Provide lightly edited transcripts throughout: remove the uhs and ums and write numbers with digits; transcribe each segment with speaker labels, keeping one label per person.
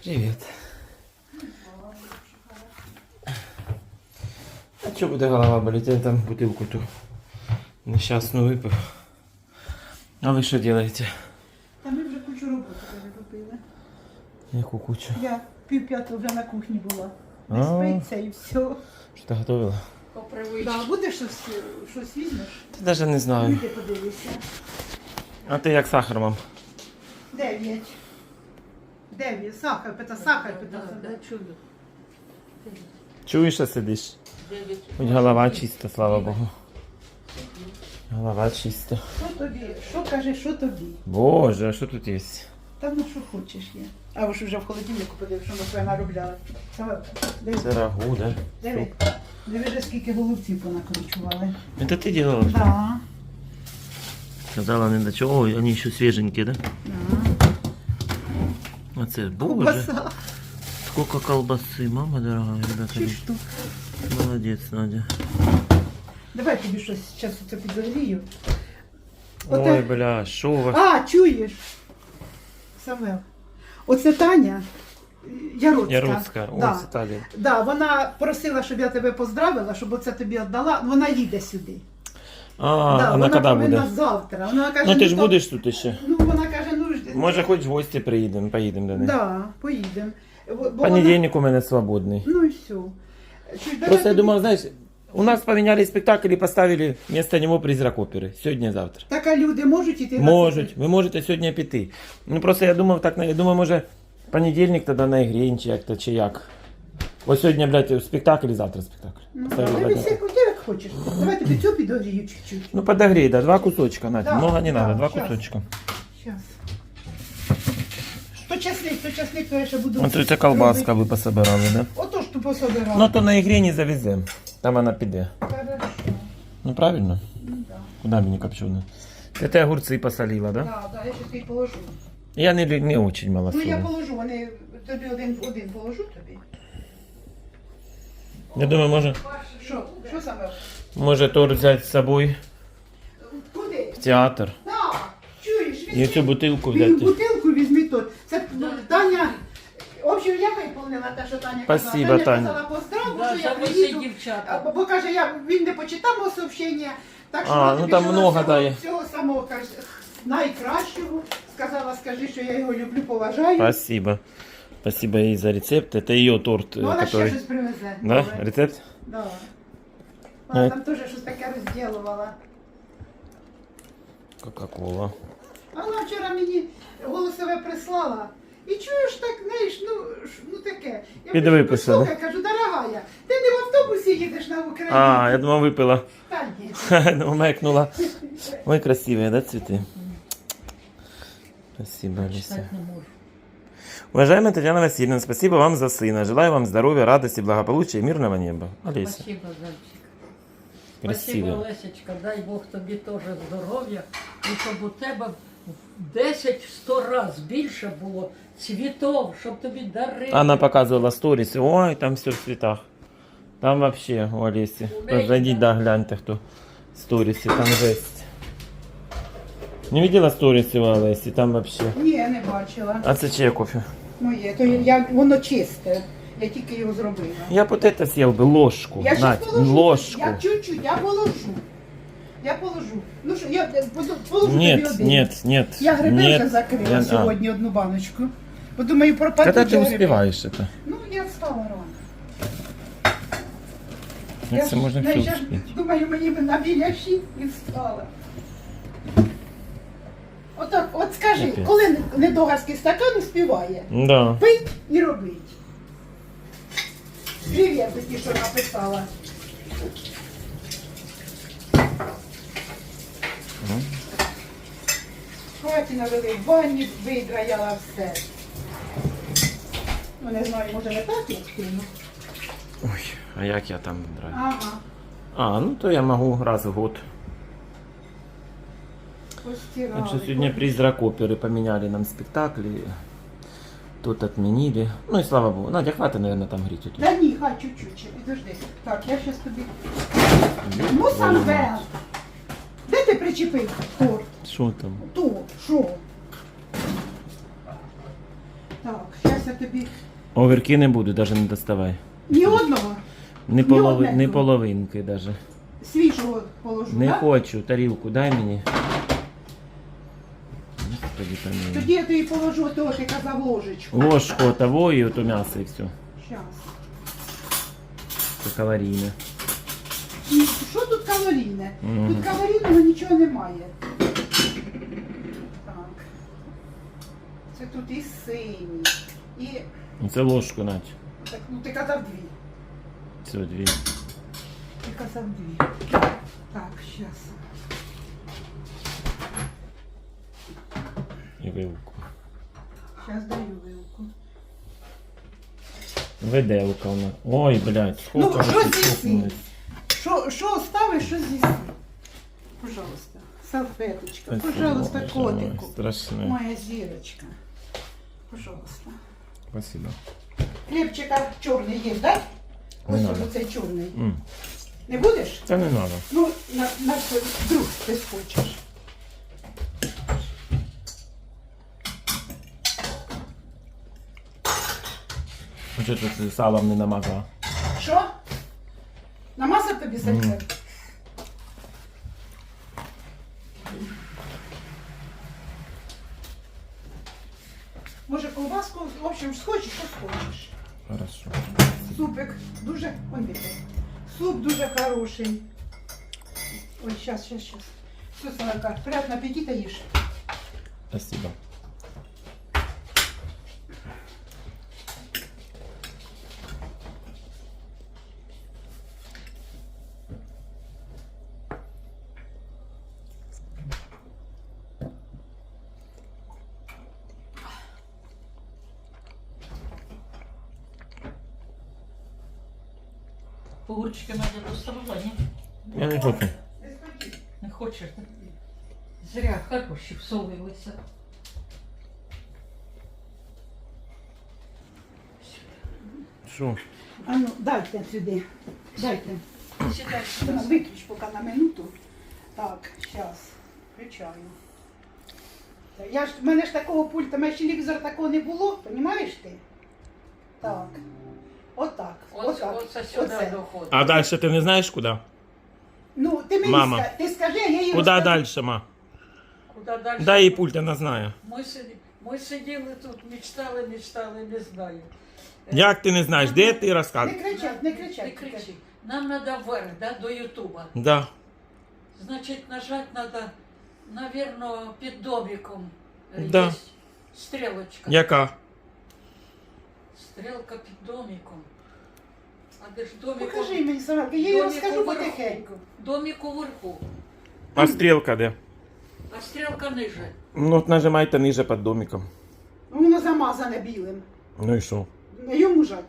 Speaker 1: Привіт. А чого буде голова боліти? Я там бутилку ту нещасну випив. А ви що робите?
Speaker 2: Та ми вже кучу роботи переробили.
Speaker 1: Яку кучу?
Speaker 2: Я 4:30 вже на кухні була. Не спиться і все.
Speaker 1: Що ти готувала?
Speaker 3: По привичці.
Speaker 2: Да, будеш щось візьмеш?
Speaker 1: Та навіть не знаю.
Speaker 2: Іди подивися.
Speaker 1: А ти як сахар, мам?
Speaker 2: 9. 9. Сахар, сахар.
Speaker 3: Да, чудо.
Speaker 1: Чуєш, що сидиш? Хоч голова чиста, слава Богу. Голова чиста.
Speaker 2: Що тобі? Що кажеш, що тобі?
Speaker 1: Боже, а що тут є?
Speaker 2: Та ну що хочеш є. А ви ж вже в холодильнику подивись, що ми своє наробляли. Диви,
Speaker 1: Це рагу, да?
Speaker 2: диви. Диви, вже скільки голубців понакручували.
Speaker 1: Это ты делала?
Speaker 2: Да.
Speaker 1: Сказала не до чого. Ой, они еще свеженькие, да?
Speaker 2: Да.
Speaker 1: А це, боже.
Speaker 2: Колбаса.
Speaker 1: Сколько колбасы, мама дорогая, ребята.
Speaker 2: 6 штук.
Speaker 1: Молодец, Надя.
Speaker 2: Давай тобі щось зараз це підогрію.
Speaker 1: Ой, бля, шо у вас?
Speaker 2: А, чуєш? Самвел. Оце Таня Яроцька.
Speaker 1: Яроцька, ось
Speaker 2: Да.
Speaker 1: Італія.
Speaker 2: Да, вона просила, щоб я тебе поздравила, щоб оце тобі віддала. Вона їде сюди.
Speaker 1: А,
Speaker 2: Да,
Speaker 1: вона коли
Speaker 2: повинна
Speaker 1: буде?
Speaker 2: завтра. Вона каже,
Speaker 1: Ну ти ж
Speaker 2: то-
Speaker 1: будеш тут ще?
Speaker 2: Ну, вона каже, ну ж.
Speaker 1: Може хоч в гості приїдемо, поїдемо до неї.
Speaker 2: Да, поїдемо.
Speaker 1: Понедельник у мене свободний.
Speaker 2: Ну і все. Чуєш, давай
Speaker 1: Просто я
Speaker 2: тобі-
Speaker 1: думав, знаєш, у нас поменяли спектакль і поставили вместо нього призрак опери. Сьогодні-завтра.
Speaker 2: Так, а люди можуть іти? на
Speaker 1: Можуть, ви можете сьогодні піти. Ну просто я думав так, я думаю, може понедільник тоді на ігрі, чи як то, чи як. Ось сьогодні, блядь, спектакль і завтра спектакль.
Speaker 2: Ну,
Speaker 1: Поставили
Speaker 2: дивись,
Speaker 1: одне.
Speaker 2: як хочеш. Давай тобі цю підогрію чуть-чуть.
Speaker 1: Ну подогрей, да, 2 кусочка, Надя.
Speaker 2: Да,
Speaker 1: Много не
Speaker 2: да,
Speaker 1: надо, 2
Speaker 2: щас.
Speaker 1: кусочка.
Speaker 2: Сейчас. То часник, то я ще буду.
Speaker 1: Ось ця колбаска ви пособирали, да?
Speaker 2: Ото ж ту пособирала.
Speaker 1: Ну то на ігрі не завеземо. Там вона піде.
Speaker 2: Хорошо.
Speaker 1: Ну правильно?
Speaker 2: Ну, да.
Speaker 1: Куда мені копчену? Ти огурці посолила, да?
Speaker 2: Да, да, я щось їй положу.
Speaker 1: Я не очень
Speaker 2: Ну я
Speaker 1: малосольна.
Speaker 2: положу, вони тобі один положу тобі.
Speaker 1: Я думаю,
Speaker 2: Що саме?
Speaker 1: може торт взяти з собою
Speaker 2: Куди?
Speaker 1: в театр.
Speaker 2: Да, чуєш,
Speaker 1: І цю бутилку
Speaker 2: Він
Speaker 1: взяти.
Speaker 2: бутилку візьми тут. Це Таня. В общем, я виповнила те, що Таня
Speaker 1: Спасибо,
Speaker 2: казала.
Speaker 1: Таня.
Speaker 2: Казала поздрав,
Speaker 3: Да,
Speaker 2: що я
Speaker 3: за всі
Speaker 2: приїду.
Speaker 3: дівчата.
Speaker 2: Бо каже, він не почитав мого сообщення. Так що
Speaker 1: А,
Speaker 2: вона
Speaker 1: ну
Speaker 2: тобі
Speaker 1: там
Speaker 2: желаю
Speaker 1: много
Speaker 2: всього-
Speaker 1: дає.
Speaker 2: Всього самого каже, найкращого. Сказала, скажи, що я його люблю, поважаю.
Speaker 1: Спасибо. Спасибо ей за рецепт. Это ее торт,
Speaker 2: Ну, вона ще
Speaker 1: который...
Speaker 2: щось привезе.
Speaker 1: Да?
Speaker 2: Добре.
Speaker 1: Рецепт?
Speaker 2: Да. Вона
Speaker 1: Е.
Speaker 2: там теж щось таке розділувала.
Speaker 1: Кока-кола.
Speaker 2: А вона вчора мені голосове прислала. І чуєш так, знаєш, ну таке. Я
Speaker 1: Підвиписала.
Speaker 2: слухай, кажу, дорогая, ти не в автобусі їдеш на Україну.
Speaker 1: А, я думал, выпила.
Speaker 2: Та ні.
Speaker 1: Мекнула. Ой, красивые, да, цветы? Спасибо, Алиса.
Speaker 3: Читати не можу.
Speaker 1: Уважаемая Татьяна Васильевна, спасибо вам за сына. Желаю вам здоровья, радости, благополучия и мирного неба. Алиса.
Speaker 3: Спасибо, Зайчик. Спасибо,
Speaker 1: Красиво.
Speaker 3: Лесечка. Дай Бог тобі теж здоров'я. І щоб у тебе в 10-100 раз більше було цвітов, щоб тобі дарили.
Speaker 1: Она показывала сторис. Ой, там все в цветах. Там вообще у Олеси. Зайдите, да, гляньте, кто сторисы. Там жесть. Не видела сторисы у Олеси? Там вообще.
Speaker 2: Ні, не бачила.
Speaker 1: А це чиє кофе?
Speaker 2: Моє, то воно чисте. Я тільки його зробила.
Speaker 1: Я б вот это съел бы, ложку.
Speaker 2: Я щас
Speaker 1: Надь,
Speaker 2: положу.
Speaker 1: ложку.
Speaker 2: Я чуть-чуть, я положу. Я положу. Ну що, я положу тобі
Speaker 1: Нет,
Speaker 2: один.
Speaker 1: нет, нет.
Speaker 2: Я гриби
Speaker 1: нет.
Speaker 2: вже закрила
Speaker 1: Я-
Speaker 2: сьогодні одну баночку. Бо думаю, пропадуть.
Speaker 1: Когда ты
Speaker 2: гриби.
Speaker 1: успеваешь это?
Speaker 2: Ну, я встала рано.
Speaker 1: Як це можна все
Speaker 2: знаєш, я
Speaker 1: успіти?
Speaker 2: думаю, мені б на біля 6 і встала. Отак, от скажи,
Speaker 1: Капець.
Speaker 2: коли недогарський стакан успіває,
Speaker 1: Да.
Speaker 2: пить і робить. Привіт, ті, що написала. Хаті навели в ванні, видраяла все. Ну, не знаю, може не так як кину.
Speaker 1: Ой, а як я там граю?
Speaker 2: Ага,
Speaker 1: А, ну то я могу раз в год.
Speaker 2: постирали.
Speaker 1: Так что сегодня призрак оперы поменяли нам спектакли. Тут отменили. Ну и слава богу. Надя, хватит, наверное, там греть.
Speaker 2: Да ні, хай чуть-чуть, ще, підожди. Так, я щас тобі... Ну, Самвел, де ти причепив торт?
Speaker 1: Что там?
Speaker 2: Торт, що? Так, щас ось я тобі
Speaker 1: Огірки не буду, навіть не доставай.
Speaker 2: ні одного
Speaker 1: Не,
Speaker 2: Ні одне
Speaker 1: не
Speaker 2: тут.
Speaker 1: половинки навіть.
Speaker 2: свіжого положу,
Speaker 1: Не
Speaker 2: так?
Speaker 1: хочу, тарілку дай мені. Господи, помилуй.
Speaker 2: Тоді я тобі положу того, ти казав, ложечку.
Speaker 1: Ложку того і ото м'ясо і все.
Speaker 2: Щас.
Speaker 1: Це калорійне.
Speaker 2: І що тут калорійне?
Speaker 1: Мгм.
Speaker 2: Тут калорійного нічого немає. Так. Це тут і сині, і...
Speaker 1: Ну, це ложку нать.
Speaker 2: Так, ну ти казав дві.
Speaker 1: Все, дві.
Speaker 2: Ти казав дві. Так, щас.
Speaker 1: І вилку.
Speaker 2: Щас даю вилку.
Speaker 1: Виделка вона. Ой, блядь, сколько
Speaker 2: Ну,
Speaker 1: ви
Speaker 2: що
Speaker 1: тут
Speaker 2: з'їси?
Speaker 1: чухнулись.
Speaker 2: Що оставиш, що з'їси? Пожалуйста. Салфеточка.
Speaker 1: Спасибо,
Speaker 2: Пожалуйста,
Speaker 1: Боже
Speaker 2: котику.
Speaker 1: мой, страшне.
Speaker 2: Моя зірочка. Пожалуйста.
Speaker 1: Спасибо.
Speaker 2: Хлібчика чорний є, так?
Speaker 1: Не
Speaker 2: Ось
Speaker 1: надо.
Speaker 2: оцей чорний.
Speaker 1: М.
Speaker 2: Не будеш?
Speaker 1: Це не треба.
Speaker 2: Ну, на друг ти схочеш.
Speaker 1: Чого ти це салом не намазала?
Speaker 2: Що? Намазав тобі сальце? Може ковбаску, в общем, схочеш, що схочеш.
Speaker 1: Хорошо.
Speaker 2: Супик дуже, он дивіться. Суп дуже хороший. Ой, щас. Все, Салака, приятного аппетита їж.
Speaker 1: Спасибо.
Speaker 3: Огурчики Надя доставала, ні?
Speaker 1: Я не хочу.
Speaker 3: Не хочеш? так? Зря хороші всолилися.
Speaker 1: Що?
Speaker 2: А ну, дайте сюди. Дайте.
Speaker 3: Сідай.
Speaker 2: Ну, виключ поки на минуту. Так, зараз. Включаю. В мене ж такого пульта, в мене ще телевізора такого не було, розумієш ти? Так. Отак.
Speaker 3: Оце сюди доходить.
Speaker 1: А далі ти не знаєш куди?
Speaker 2: Ну, ти мені
Speaker 1: Мама.
Speaker 2: ти скажи, я їй
Speaker 1: Куди
Speaker 2: розкажу.
Speaker 1: далі, ма?
Speaker 3: Куди далі?
Speaker 1: Дай їй пульт, вона знає.
Speaker 3: Ми сиділи тут, мечтали, не знаю.
Speaker 1: Як ти не знаєш? Де ти
Speaker 2: Не
Speaker 1: розказуєш?
Speaker 2: кричать, не
Speaker 3: Не
Speaker 2: кричать.
Speaker 3: кричи. Нам треба вверх, да, до Ютуба.
Speaker 1: Да.
Speaker 3: Значить, нажать треба, наверное, під домиком.
Speaker 1: Да.
Speaker 3: Є стрілочка.
Speaker 1: Яка?
Speaker 3: Стрілка під домиком. А де ж домик?
Speaker 2: Покажи мені, Самарка, я їй
Speaker 3: Домик
Speaker 2: розкажу
Speaker 3: уверху.
Speaker 2: потихеньку.
Speaker 3: Домик уверху,
Speaker 1: А стрілка де?
Speaker 3: а стрілка ниже.
Speaker 1: Ну от нажимайте ниже під домиком.
Speaker 2: Воно замазане білим.
Speaker 1: Ну і що?
Speaker 2: Йому жать.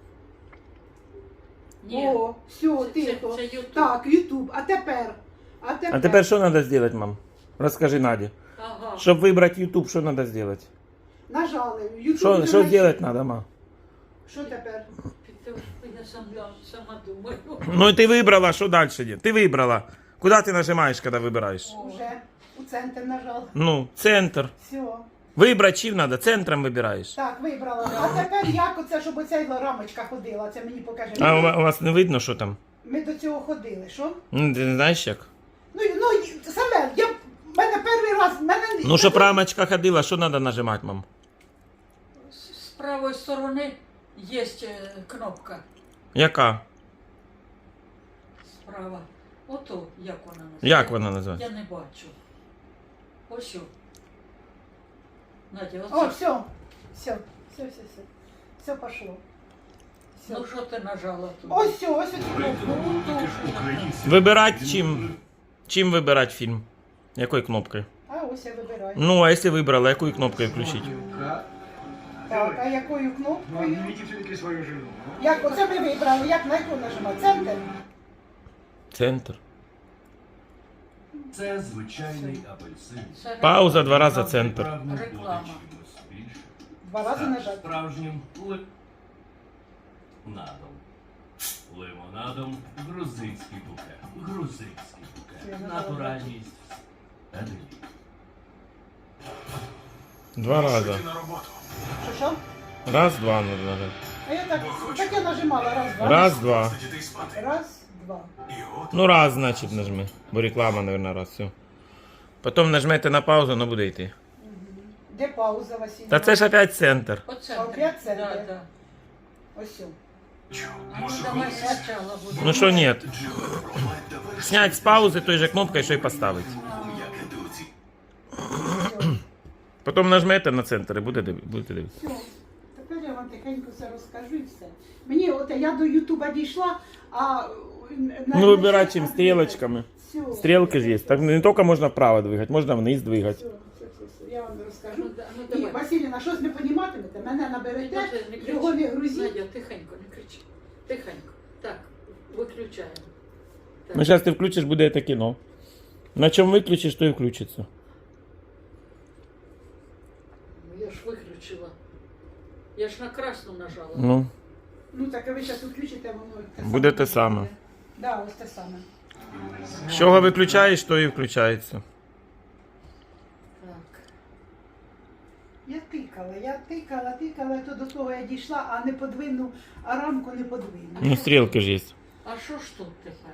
Speaker 3: Ні.
Speaker 2: О, все,
Speaker 3: Це-
Speaker 2: тихо.
Speaker 3: це YouTube.
Speaker 2: Так, Ютуб. А тепер?
Speaker 1: А тепер що треба зробити, мам? Розкажи Наді.
Speaker 3: Ага.
Speaker 1: Щоб вибрати YouTube, що треба зробити?
Speaker 2: Нажали. Ютуб
Speaker 1: Що
Speaker 2: вже
Speaker 1: зробити
Speaker 2: знайшли.
Speaker 1: треба, ма?
Speaker 2: Що тепер?
Speaker 3: Я сама думаю.
Speaker 1: Ну і ти вибрала, що далі є? Ти вибрала. Куди ти нажимаєш, коли вибираєш?
Speaker 2: Уже у центр нажав.
Speaker 1: Ну, центр.
Speaker 2: Все.
Speaker 1: Вибрати чим треба? Центром вибираєш.
Speaker 2: Так, вибрала. А тепер як оце, щоб оця рамочка ходила? Це мені покаже.
Speaker 1: А у вас не видно, що там?
Speaker 2: Ми до цього ходили, що?
Speaker 1: Ну, ти не знаєш як?
Speaker 2: Ну, саме, в мене перший раз,
Speaker 1: Ну, щоб рамочка ходила, що треба нажимати, мам?
Speaker 3: З правої сторони є кнопка.
Speaker 1: Яка?
Speaker 3: Справа. Ото, як вона називається?
Speaker 1: Як вона називається?
Speaker 3: Я не бачу. Ось о. Надя,
Speaker 2: О,
Speaker 3: оце.
Speaker 2: все. Все пошло. Все.
Speaker 3: Ну що ти нажала тут?
Speaker 2: Ось все, ось ці кнопки.
Speaker 1: Вибирати чим? Чим вибирати фільм? Якою кнопкою?
Speaker 2: А ось я вибираю.
Speaker 1: Ну, а якщо вибрала, якою кнопкою включити?
Speaker 2: Так, а якою кнопкою?
Speaker 4: Видите все-таки свою жену.
Speaker 2: Як оце ми вибрали, як на яку нажимати? Центр?
Speaker 1: Центр.
Speaker 4: Це звичайний апельсин.
Speaker 3: Це
Speaker 1: Пауза 2 рази центр.
Speaker 4: Прагнув бути
Speaker 3: Реклама.
Speaker 4: чимось більшим.
Speaker 2: 2 рази
Speaker 4: Стати
Speaker 2: нажати.
Speaker 4: Справжнім лимонадом. Лимонадом грузинський букет. Грузинський букет. Натуральність. Адель.
Speaker 1: 2 рази.
Speaker 2: Що?
Speaker 1: Раз, два надо нажать.
Speaker 2: А я так я нажимала раз, два.
Speaker 1: Раз, два.
Speaker 2: Раз, два.
Speaker 1: Ну раз, значить, нажми. Бо реклама, наверное, раз, все. Потім нажмете на паузу, воно буде йти.
Speaker 2: Де пауза, Василь?
Speaker 1: Та це ж опять центр.
Speaker 3: Оце.
Speaker 2: Опять це,
Speaker 3: Да,
Speaker 2: да?
Speaker 3: да.
Speaker 2: Ось.
Speaker 3: А ну давай спочатку буде.
Speaker 1: Ну що нет? Снять з паузи той же кнопкою, що й поставити. Потім нажмете на центр і будете дивитися.
Speaker 2: Все. Тепер я вам тихенько все розкажу і все. Мені, от я до Ютуба дійшла, а...
Speaker 1: Ну вибирай чим, стрілочками.
Speaker 2: Все.
Speaker 1: Стрілки ж є. Так не тільки можна вправо двигати, можна вниз двигати.
Speaker 2: Все. Я вам розкажу.
Speaker 3: Ну, ну
Speaker 2: І,
Speaker 3: давай.
Speaker 2: Василіна, щось не поніматимете, мене наберете,
Speaker 3: Не кричи.
Speaker 2: його не грузіть.
Speaker 3: Надя, тихенько, не кричи. Тихенько. Так, виключаємо. Так.
Speaker 1: Ну зараз ти включиш, буде це кіно. На чому виключиш, то і включиться.
Speaker 3: Ну, я ж виключила. Я ж на красну нажала.
Speaker 1: Ну,
Speaker 2: Ну так, а ви зараз включите, воно те
Speaker 1: Буде те саме.
Speaker 2: буде. Да, ось те саме.
Speaker 1: з чого виключаєш, то і включається.
Speaker 3: Так.
Speaker 2: Я тикала, то до того я дійшла, а не подвину, а рамку не подвину.
Speaker 1: Ну, стрілки ж є.
Speaker 3: А що ж тут тепер?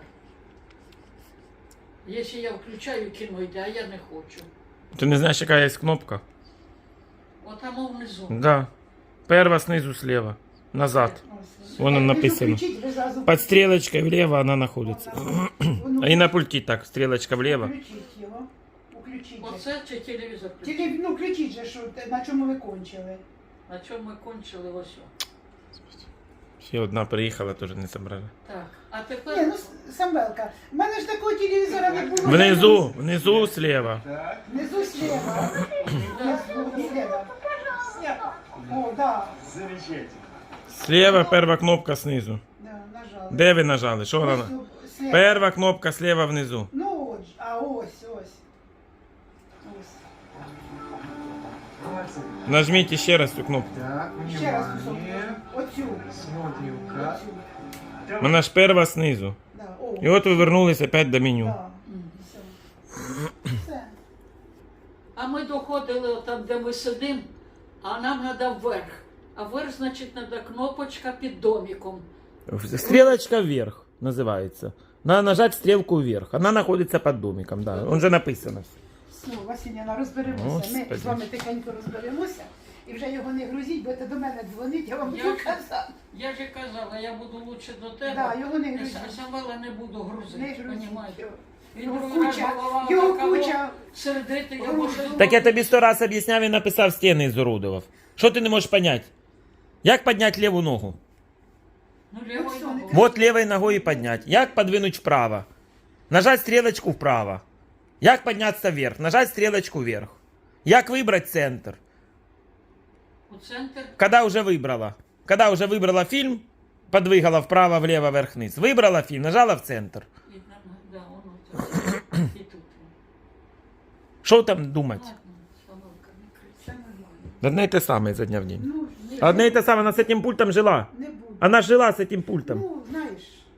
Speaker 3: Якщо я включаю кіно йде, а я не хочу.
Speaker 1: Ти не знаєш, яка є кнопка?
Speaker 3: Отамо внизу.
Speaker 1: Да. Перва снизу слева. Назад.
Speaker 2: Ось.
Speaker 1: Воно
Speaker 2: Ви
Speaker 1: написано.
Speaker 2: включіть, ви зразу
Speaker 1: Под стрелочкой влево она находится.
Speaker 2: Воно-
Speaker 1: И на пульте так, стрелочка влево.
Speaker 2: Включіть його. Включіть.
Speaker 3: Оце чи телевізор?
Speaker 2: Тільки, ну, включіть же, що, на чому ви кончили.
Speaker 3: На чому ми кончили ось. О.
Speaker 1: Ще одна приїхала, теж не собрали.
Speaker 3: Так, а
Speaker 2: Ні,
Speaker 3: тепер
Speaker 2: ну, Самвелка, в мене ж такого телевізора не було.
Speaker 1: Внизу слева.
Speaker 2: Внизу слева. Внизу слева. О, да.
Speaker 1: Слева перва кнопка снизу.
Speaker 2: Да, нажала.
Speaker 1: Де ви нажали? Що вона?
Speaker 2: Ось, слева.
Speaker 1: Перва кнопка слева внизу.
Speaker 2: Ну, от, а ось. Ось.
Speaker 1: Нажміть ще раз цю кнопку.
Speaker 5: Так,
Speaker 2: Ще раз
Speaker 5: внимание.
Speaker 2: оцю.
Speaker 5: Смотрим, как.
Speaker 2: Оцю.
Speaker 1: Вона ж перва снизу.
Speaker 2: Да. О,
Speaker 1: І от ви вернулись опять до меню.
Speaker 2: да. Все. Все.
Speaker 3: а ми доходили там, де ми сидимо, а нам треба вверх. А вверх, значить, треба кнопочка під домиком.
Speaker 1: Стрелочка вверх називається. Надо нажать стрелку вверх. Она находится под домиком, да. Он же написано.
Speaker 2: Все, Василяна, розберемося. Ми
Speaker 1: Господи.
Speaker 2: з вами тихенько розберемося. І вже його не грузіть, будете до мене дзвонити, я вам
Speaker 3: Я
Speaker 2: буду
Speaker 3: ж-
Speaker 2: казати.
Speaker 3: Я ж і казала, я буду лучше до тебе.
Speaker 2: Да, його не
Speaker 3: Я
Speaker 2: грузіть.
Speaker 3: Самвела не буду грузити,
Speaker 2: Не грузіть.
Speaker 3: понімаєте? Він
Speaker 2: Його
Speaker 3: другий раз
Speaker 2: куча,
Speaker 3: голова
Speaker 2: його
Speaker 3: така,
Speaker 2: куча.
Speaker 3: сердити, я
Speaker 2: Грузить.
Speaker 3: можу...
Speaker 1: Так я тобі 100 раз об'ясняв і написав, стіни ізурудував. Що ти не можеш понять? Як підняти ліву ногу?
Speaker 3: Ну, лівою
Speaker 2: все,
Speaker 3: ногою.
Speaker 1: Вот левой ногой поднять. Як подвинуть вправо? Нажать стрелочку вправо. Як подняться вверх? Нажать стрелочку вверх. Як выбрать центр?
Speaker 3: У центр.
Speaker 1: Когда уже выбрала? Когда уже выбрала фильм, подвигала вправо, влево, вверх, вниз. Выбрала фильм, нажала в центр.
Speaker 3: І там, да, воно це. І тут.
Speaker 1: Що там думать?
Speaker 3: Ладно, Самвелка, не кричи.
Speaker 2: Все нормально.
Speaker 1: Одне і те саме за дня в день.
Speaker 2: Ну, ні,
Speaker 1: Одне і те саме, вона з цим пультом жила.
Speaker 2: не буду.
Speaker 1: Она жила с этим пультом.
Speaker 2: Ну, знаєш.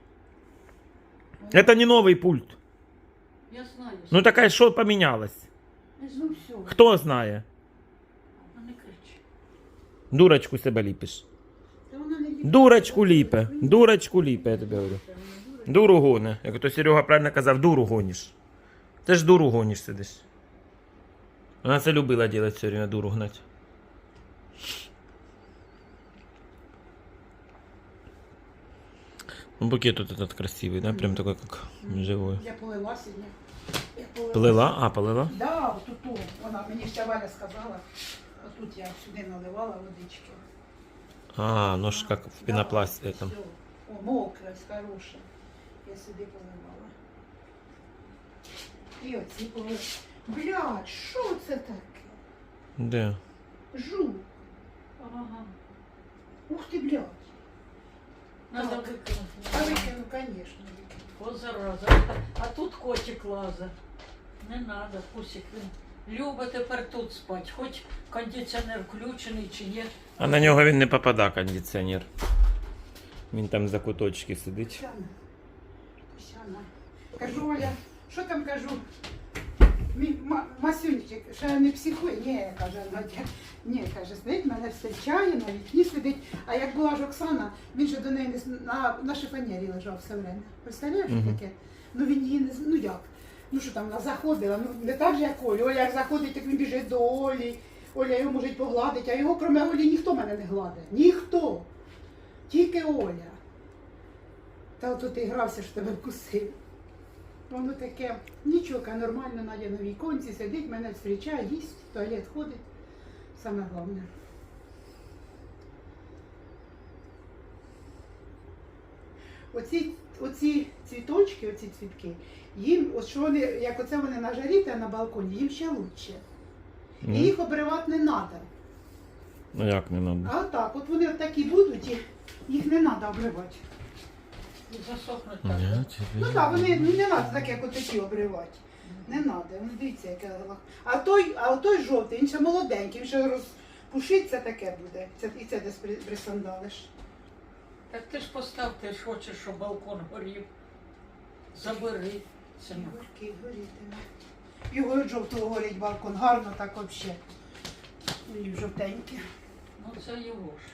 Speaker 1: Это не новый пульт.
Speaker 3: Я знаю.
Speaker 1: Ну такая, що поменялось?
Speaker 3: Не
Speaker 2: Ну,
Speaker 3: знаю.
Speaker 2: все.
Speaker 1: Хто знає?
Speaker 3: Ну, не кричи.
Speaker 1: Дурочку себе ліпиш.
Speaker 2: Та вона не ліпить.
Speaker 1: Дурочку ліпе. Дурочку ліпе, я тобі говорю. Дуру гоне. Як то Серега правильно казав, дуру гониш. Ти ж дуру гониш сидиш. Вона це любила робити все время, дуру гнать. Ну, букет тут этот красивый, да? Прям такой, как живой.
Speaker 2: Я полила сьогодні. Я полила.
Speaker 1: Плела? А, полила?
Speaker 2: Да, отут. Вона мені ще Валя сказала. Отут я сюди наливала водички.
Speaker 1: А, ну ж как в пенопласте этом.
Speaker 2: Всё. О, мокра, хороша. Я сюди поливала. І оці полила. Блядь, що це таке?
Speaker 1: Де?
Speaker 2: Жук.
Speaker 3: Ага.
Speaker 2: Ух ти, блядь.
Speaker 3: Надо
Speaker 2: Так.
Speaker 3: викинути.
Speaker 2: А викину, звісно.
Speaker 3: О, зараза. А тут котик лаза. Не надо, Пусик. Він любить тепер тут спати. Хоч кондиціонер включений чи є.
Speaker 1: А на нього він не попада, кондиціонер. Він там за куточки сидить.
Speaker 2: Тусяна. Тусяна. Кажу, Оля, що там кажу? Мій Масюнчик, ще не психує. Ні, каже Надя. Ні, каже, сидить, мене зустрічає, на вікні сидить. А як була ж Оксана, він же до неї на шифонєрі лежав все время. Представляєш, що таке? Ну він її не ну як? Ну що там, вона заходила, ну не так же, як Оля. Оля як заходить, так він біжить до Олі. Оля його може погладити, а його, крім Олі, ніхто мене не гладить. Ніхто. Тільки Оля. Та от ти грався, що тебе вкусив. Воно таке, нічого, нормально, Надя на віконці сидить, мене зустрічає, їсть, в туалет ходить. Саме головне. Оці цвіточки, оці цвітки, їм, от що вони, як оце вони на жарі та на балконі, їм ще краще. І їх обривати не треба.
Speaker 1: Ну як не треба?
Speaker 2: А отак, от вони от такі будуть, і їх не треба обривати.
Speaker 3: І засохнуть так.
Speaker 2: Ну так, вони не треба так, як отакі обривати. Не треба, ну дивіться, яке лах. А той жовтий, він ще молоденький, він ще розпушиться таке буде. І це десь присандалиш.
Speaker 3: Так ти ж постав, ти ж хочеш, щоб балкон горів. Забери, синок.
Speaker 2: Горький, горітиме. Його від жовтого горить балкон, гарно так взагалі. І жовтенькі.
Speaker 3: Ну це його ж.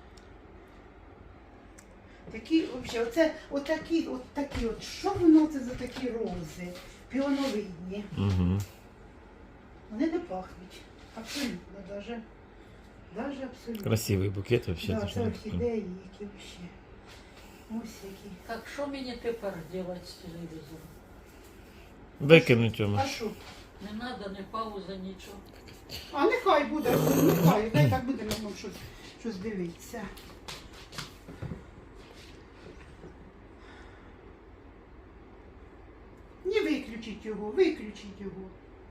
Speaker 2: Такі, взагалі, отакі, що воно це за такі рози? Піоновидні.
Speaker 1: Угу.
Speaker 2: Вони не пахнуть. Абсолютно, даже абсолютно.
Speaker 1: Красивий букет вообще.
Speaker 2: Да, це орхідеї, які взагалі. Ось які.
Speaker 3: Так що мені тепер робити з телевізором?
Speaker 1: Викинуть йому.
Speaker 2: А що?
Speaker 3: Не треба, не пауза, нічого.
Speaker 2: А нехай буде, нехай, дай так буде нам щось дивитися. Не виключіть його, виключіть його.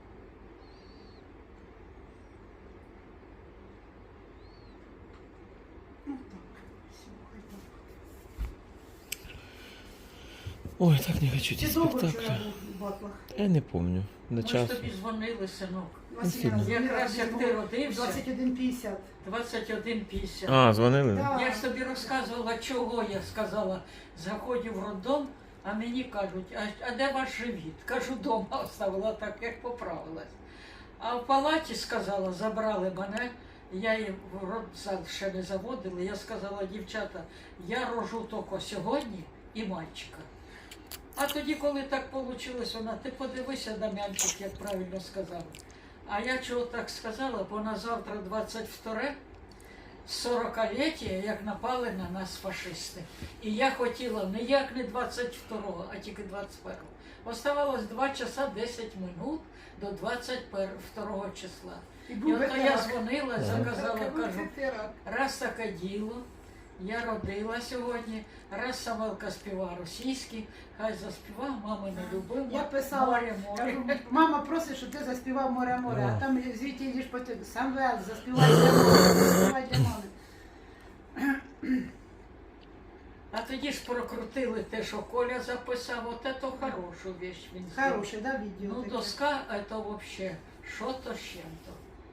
Speaker 2: Ну так, все, хай так.
Speaker 1: Ой, так не хочу ці
Speaker 2: Чи довго
Speaker 1: спектаклі.
Speaker 2: вчора був в батлах?
Speaker 1: Я не помню. До
Speaker 3: Ми ж
Speaker 1: часу.
Speaker 3: тобі дзвонили, синок.
Speaker 2: Василіна,
Speaker 3: Якраз як ти родився.
Speaker 2: 21:50.
Speaker 3: 21:50.
Speaker 1: А, дзвонили?
Speaker 2: Да.
Speaker 3: Я ж тобі розказувала, чого я сказала. Заходжу в роддом, а мені кажуть, а де ваш живіт? Кажу, дома оставила так, як поправилась. А в палаті сказала, забрали мене, я її в родзал ще не заводила. Я сказала, дівчата, я рожу тільки сьогодні і мальчика. А тоді, коли так вийшло, вона, ти подивися, Дам'янчик, як правильно сказала. А я чого так сказала, бо на завтра 22-ре, 40-ліття, як напали на нас фашисти. І я хотіла не як не 22-го, а тільки 21-го. Оставалось 2 часа 10 минут до 22-го числа. І
Speaker 2: був
Speaker 3: от я
Speaker 2: ветеран.
Speaker 3: дзвонила, заказала,
Speaker 2: Так,
Speaker 3: кажу,
Speaker 2: ветеран.
Speaker 3: раз таке діло, я родила сьогодні, раз Самелка співає російський, хай заспіва, мама не любила.
Speaker 2: Я писала,
Speaker 3: море,
Speaker 2: кажу,
Speaker 3: море.
Speaker 2: мама просить, щоб ти заспівав море-море,
Speaker 1: Ага.
Speaker 2: а там звідти йдеш по тебе, Самвел, заспівай для мами, заспівай для мами.
Speaker 3: А тоді ж прокрутили те, що Коля записав, от це хорошу вещь він зробив.
Speaker 2: Хороше, да, відео
Speaker 3: Ну,
Speaker 2: таке?
Speaker 3: доска, це вообще, що то з чим-то.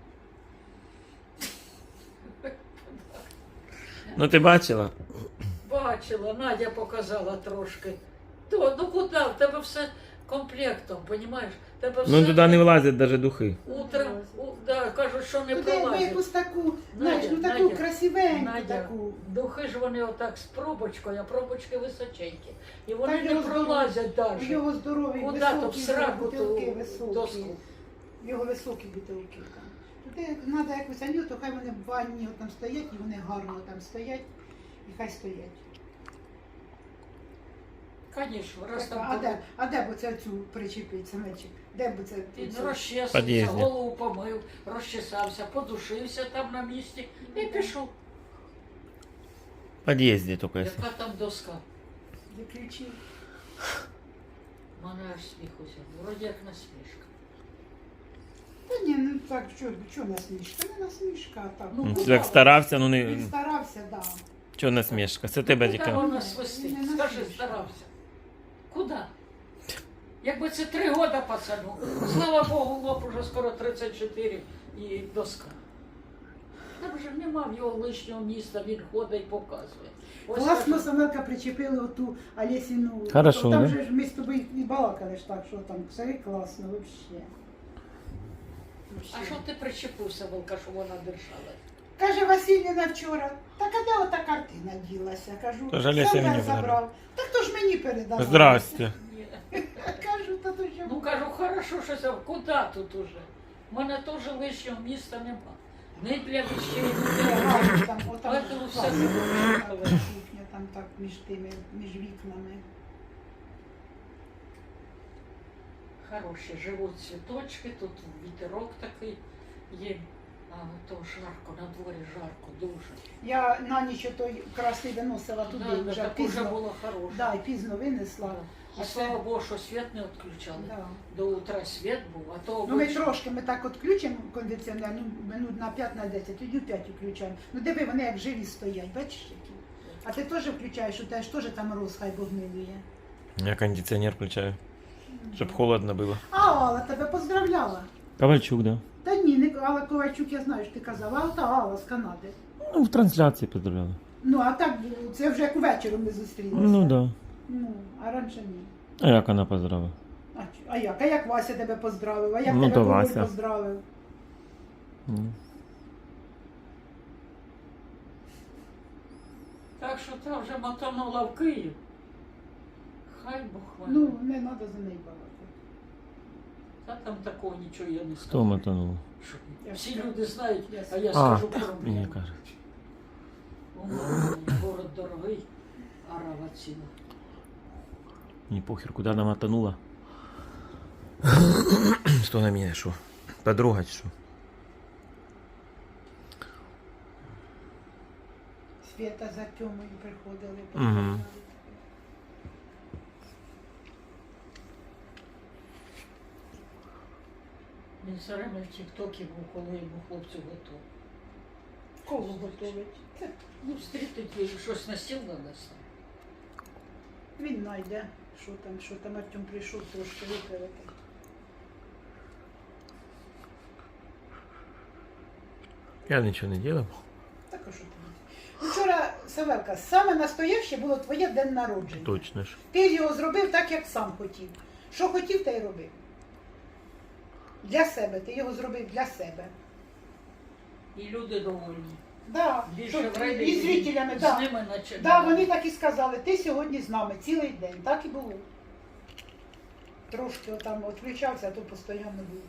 Speaker 1: Ну ти бачила?
Speaker 3: Бачила, Надя показала трошки. То, ну куди? В тебе все комплектом, розумієш? Тебе все
Speaker 1: Ну туди не влазять навіть духи.
Speaker 3: утром, да, кажуть, що не
Speaker 2: Туди якби
Speaker 3: пролазить.
Speaker 2: якусь таку, знаєш, ну таку
Speaker 3: Надя,
Speaker 2: красивеньку
Speaker 3: Надя,
Speaker 2: таку.
Speaker 3: духи ж вони отак з пробочкою, а пробочки височенькі. І вони
Speaker 2: Так
Speaker 3: не
Speaker 2: його
Speaker 3: пролазять навіть.
Speaker 2: Його здоровий,
Speaker 3: Куди то в
Speaker 2: високий,
Speaker 3: сраку
Speaker 2: бутилки
Speaker 3: ту
Speaker 2: високі.
Speaker 3: доску?
Speaker 2: Його високі бутилки там. Туди треба якусь анюту, хай вони в ванні там стоять, і вони гарно там стоять, і хай стоять.
Speaker 3: Звісно, раз
Speaker 2: Так,
Speaker 3: там
Speaker 2: а де б оце цю причепить, самечик? Де б це?
Speaker 3: він
Speaker 2: цю?
Speaker 3: розчесався,
Speaker 1: Під'їзді.
Speaker 3: голову помив, розчесався, подушився там на місці і пішов.
Speaker 1: В під'їзді тільки.
Speaker 3: Яка там доска?
Speaker 2: Виключив.
Speaker 3: Мене аж сміх узяв. Вроді як насмішка.
Speaker 2: Та ні, ну так, що насмішка? Не насмішка, а так.
Speaker 3: Ну,
Speaker 1: Як старався, ну
Speaker 2: Він
Speaker 1: не.
Speaker 2: старався, да.
Speaker 1: Чого насмішка? Це тебе
Speaker 3: Куди
Speaker 1: тільки.
Speaker 3: вона свистить?
Speaker 2: Не
Speaker 3: Скажи,
Speaker 2: насмішка.
Speaker 3: старався. Куди? Якби це 3 роки пацану. Слава Богу, лоб уже скоро 34 і доска. Там вже нема в його лишнього міста, він ходить і показує. Ось
Speaker 2: Класно
Speaker 3: кажу,
Speaker 2: Самелка причепили оту Олесіну.
Speaker 1: Хорошо,
Speaker 2: Там
Speaker 1: да?
Speaker 2: же ж ми з тобою і балакали ж так, що там все класно взагалі.
Speaker 3: А що ти причепився, Волка, що вона держала?
Speaker 2: Каже Васильівна вчора, так а де ота картина ділася? Кажу,
Speaker 1: Та ж Олеся
Speaker 2: Семен
Speaker 1: мені
Speaker 2: забрав. Так то ж мені передав.
Speaker 1: Здрасте.
Speaker 3: Ні.
Speaker 2: Кажу, та то що?
Speaker 3: Ну кажу, хорошо, що це, куди тут уже? У мене теж лишнього міста нема. Не для вещей, не для
Speaker 2: Гарно там, отам
Speaker 3: Поэтому все
Speaker 2: класно,
Speaker 3: зробили.
Speaker 2: кухня, там так між тими, між вікнами.
Speaker 3: Хороші, живуть цвіточки, тут вітерок такий є. А то жарко, на дворі жарко, дуже.
Speaker 2: Я на ніч той красний виносила туди,
Speaker 3: Да,
Speaker 2: вже
Speaker 3: так уже
Speaker 2: пізно.
Speaker 3: було хороше.
Speaker 2: Да, і пізно винесла.
Speaker 3: І
Speaker 2: А
Speaker 3: слава
Speaker 2: це-
Speaker 3: Богу, що світ не відключали.
Speaker 2: Да.
Speaker 3: До утра світ був, а то
Speaker 2: Ну ми
Speaker 3: обично-
Speaker 2: трошки, ми так відключимо кондиціонер, ну, минут на 5-10, тоді в 5 включаємо. Ну диви, вони як живі стоять, бачиш які? А ти теж включаєш, у тебе ж теж там роз, хай Бог милує.
Speaker 1: Я кондиціонер включаю, щоб холодно було.
Speaker 2: А Алла тебе поздравляла.
Speaker 1: Ковальчук, да.
Speaker 2: Та ні, не Алла Ковальчук, я знаю, що ти казала, а та Алла з Канади.
Speaker 1: Ну, в трансляції поздравляли.
Speaker 2: Ну, а так, це вже як увечері ми зустрілися.
Speaker 1: Ну да.
Speaker 2: Ну, а раніше ні.
Speaker 1: А як вона поздравила?
Speaker 2: А як? А як Вася тебе поздравив? А як
Speaker 1: Ну,
Speaker 2: тебе
Speaker 1: то
Speaker 2: Володь
Speaker 1: Вася.
Speaker 2: поздравив?
Speaker 1: Ну.
Speaker 3: Так що та вже мотанула в Київ. Хай Бог вам.
Speaker 2: Ну, не треба за неї багато.
Speaker 3: Та там такого нічого я не
Speaker 1: Хто
Speaker 3: скажу.
Speaker 1: мотанув?
Speaker 3: Що
Speaker 2: Я
Speaker 3: Всі
Speaker 2: скажу.
Speaker 3: люди знають,
Speaker 2: Я
Speaker 3: а я
Speaker 1: А,
Speaker 3: скажу проблему.
Speaker 1: мені кажуть.
Speaker 3: Город дорогий, арава ціна.
Speaker 1: Мені похер, куди вона мотанула. Що на мене, що? Подруга чи що?
Speaker 2: Свята за Тьомою приходили.
Speaker 1: Мгм.
Speaker 3: Він все время в тік-токі був, коли йому хлопцю готов.
Speaker 2: Кого готовить? Це
Speaker 3: Ну, встрітить їй щось на стіл нанесли.
Speaker 2: він знайде, що там Артем прийшов трошки виперети.
Speaker 1: Я нічого не делав.
Speaker 2: Так а що тобі? Вчора, Савелка, саме настояще було твоє день народження.
Speaker 1: Точно ж.
Speaker 2: Ти його зробив так, як сам хотів. Що хотів, те й робив. Для себе. Ти його зробив для себе.
Speaker 3: І люди довольні.
Speaker 2: Да.
Speaker 3: Більше
Speaker 2: Щоб-
Speaker 3: вреді
Speaker 2: і зрителями,
Speaker 3: з
Speaker 2: да.
Speaker 3: ними наче.
Speaker 2: Да, вони так і сказали, ти сьогодні з нами цілий день. Так і було. Трошки отам відключався, а то постійно був.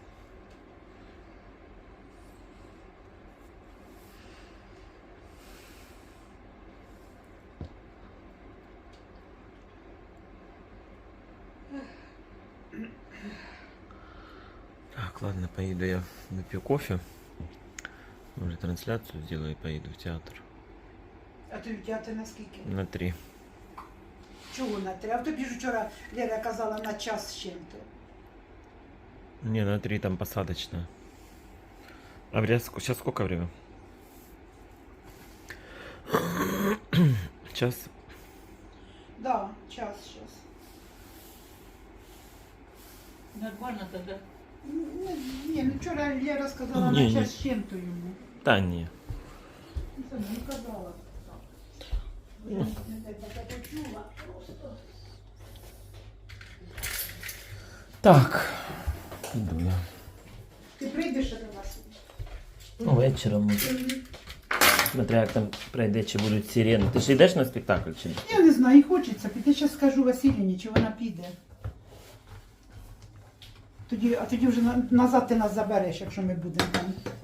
Speaker 1: Так, ладно, поеду я выпью кофе. Уже трансляцию сделаю и поеду в театр.
Speaker 2: А ти в театрі на скільки?
Speaker 1: На 3.
Speaker 2: Чого на 3? А тобі ж вчора Лера казала на час з чим-то.
Speaker 1: Не, на 3 там посадочная. А сейчас сколько время? Час.
Speaker 2: Да, час зараз.
Speaker 3: Нормально тоді.
Speaker 2: Ні, ну вчора Лера сказала
Speaker 1: Ні,
Speaker 2: на
Speaker 1: ні.
Speaker 2: час з чим-то йому.
Speaker 1: Да не.
Speaker 2: Ну, це не казала. Я не так почула просто.
Speaker 1: Так. Иду я.
Speaker 2: Ти прийдеш до нас?
Speaker 1: Ну, вечором може. Смотря як там пройде, чи будуть сирени. Ти ж йдеш на спектакль чи ні?
Speaker 2: Я не знаю, і хочеться піти. Зараз скажу Василіні, чи вона піде. А тоді вже назад ти нас забереш, якщо ми будемо там.